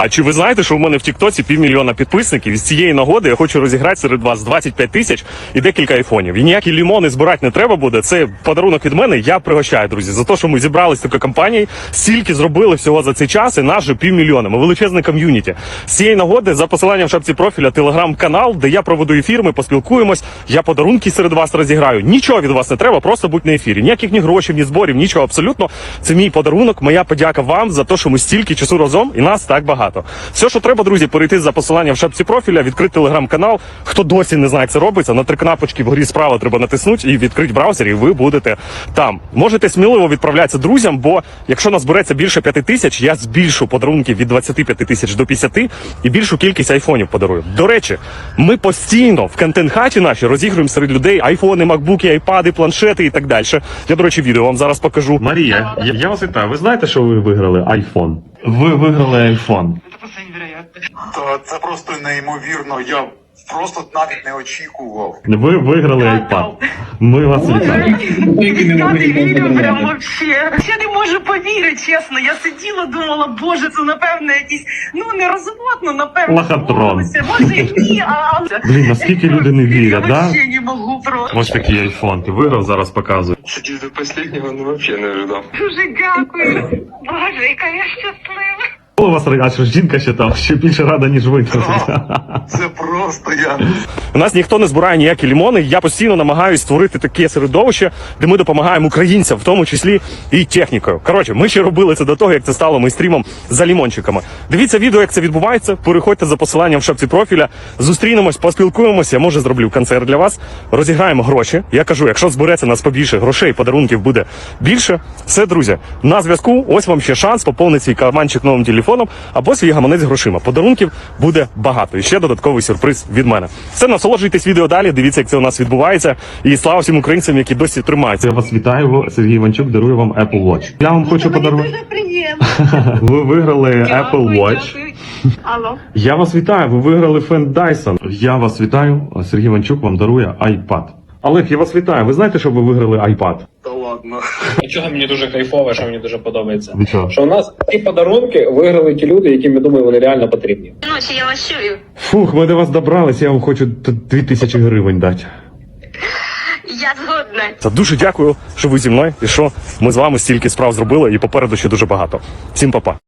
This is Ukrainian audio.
А чи ви знаєте, що у мене в Тіктоці 500 000 підписників? І з цієї нагоди я хочу розіграти серед вас 25 тисяч і декілька айфонів. І ніякі лімони збирати не треба буде. Це подарунок від мене. Я пригощаю, друзі, за те, що ми зібрались такою компанією, стільки зробили всього за цей час, і нас же 500 000. Ми величезне ком'юніті. З цієї нагоди за посиланням в шапці профіля телеграм-канал, де я проведу ефір, ми поспілкуємось, я подарунки серед вас розіграю. Нічого від вас не треба, просто будь на ефірі. Ніяких ні грошей, ні зборів, нічого абсолютно. Це мій подарунок, моя подяка вам за те, що ми стільки часу разом і нас так багато. Все, що треба, друзі, перейти за посиланням в шапці профіля, відкрити телеграм-канал. Хто досі не знає, як це робиться, на 3 кнопочки вгорі справа треба натиснути і відкрити браузер, і ви будете там. Можете сміливо відправлятися друзям, бо якщо нас збереться більше 5 тисяч, я збільшу подарунки від 25 тисяч до 50 і більшу кількість айфонів подарую. До речі, ми постійно в контент-хаті наші розігруємо серед людей айфони, макбуки, айпади, планшети і так далі. Я, до речі, відео вам зараз покажу. Марія, я вас вітаю. Ви знаєте, що ви виграли айфон? Ви виграли айфон. Це просто неймовірно. Я просто навіть не очікував. Ви виграли iPad. Ми вас вітаємо. Прям вообще. Я не можу повірити, чесно. Я сиділа, думала, боже, це напевно якийсь, не розводно, напевно. Лохотрон. Може ні, а... Блін, наскільки люди не вірять, я да? вообще не можу просто. Ось такий айфон. Ти виграв, зараз показую. Сидів до останнього, вообще не ожидав. Дуже дякую. Боже, яка я щаслива. У вас, а що жінка ще там, ще більше рада, ніж ви. Це просто я. У нас ніхто не збирає ніякі лімони. Я постійно намагаюся створити таке середовище, де ми допомагаємо українцям, в тому числі і технікою. Коротше, ми ще робили це до того, як це стало мейстрімом за лімончиками. Дивіться відео, як це відбувається. Переходьте за посиланням в шапці профіля. Зустрінемось, поспілкуємося. Я, може, зроблю концерт для вас. Розіграємо гроші. Я кажу, якщо збереться нас побільше грошей, подарунків буде більше. Все, друзі, на зв'язку. Ось вам ще шанс поповнити свій карманчик новим телефоном або свій гаманець грошима. Подарунків буде багато. І ще додатковий сюрприз від мене. Все, насолоджуйтесь відео далі, дивіться, як це у нас відбувається. І слава всім українцям, які досі тримаються. Я вас вітаю, Сергій Іванчук дарує вам Apple Watch. Я вам хочу подарувати. Дуже приємно. Ви виграли Apple Watch. Алло. Я вас вітаю, ви виграли фен Dyson. Я вас вітаю, Сергій Іванчук вам дарує iPad. Олег, я вас вітаю. Ви знаєте, що ви виграли iPad? Та ладно. Чого мені дуже кайфово, що мені дуже подобається. Ви чого? Що у нас ці подарунки виграли ті люди, яким, я думаю, вони реально потрібні. Ночі я вас чую. Фух, ми до вас добрались, я вам хочу 2000 гривень дати. Я згодна. Та дуже дякую, що ви зі мною і що ми з вами стільки справ зробили і попереду ще дуже багато. Всім па-па.